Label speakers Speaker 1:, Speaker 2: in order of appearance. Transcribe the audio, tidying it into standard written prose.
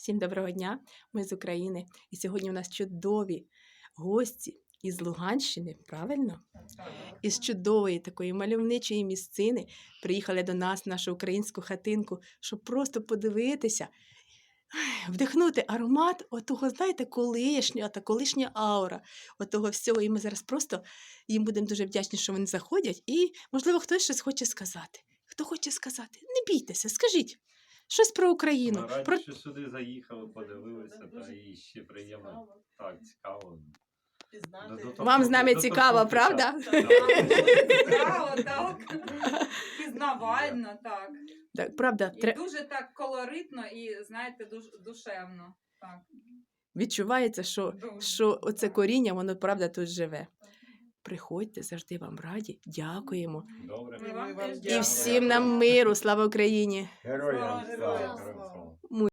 Speaker 1: Всім доброго дня, ми з України. І сьогодні у нас чудові гості із Луганщини, правильно? Із чудової такої мальовничої місцини приїхали до нас в нашу українську хатинку, щоб просто подивитися, вдихнути аромат отого, знаєте, колишня аура, отого всього. І ми зараз просто їм будемо дуже вдячні, що вони заходять. І, можливо, хтось щось хоче сказати. Хто хоче сказати? Не бійтеся, скажіть. Щось про Україну.
Speaker 2: Ми раді,
Speaker 1: Про...
Speaker 2: що сюди заїхали, подивилися, та і ще приємно. Так, цікаво.
Speaker 1: Вам з нами цікаво, правда?
Speaker 3: Цікаво, так. Пізнавально, так.
Speaker 1: Так, правда,
Speaker 3: І дуже так колоритно і, знаєте, душевно. Так.
Speaker 1: відчувається,
Speaker 3: Дуже.
Speaker 1: що оце коріння, воно, правда, тут живе. Приходьте, завжди вам раді. Дякуємо.
Speaker 2: Добре.
Speaker 3: Ми вам теж
Speaker 1: І
Speaker 3: дякуємо.
Speaker 1: всім нам миру, слава Україні!
Speaker 2: Героям
Speaker 3: Слава,
Speaker 2: слава!
Speaker 3: героям
Speaker 2: Героям
Speaker 3: слава.
Speaker 2: слава!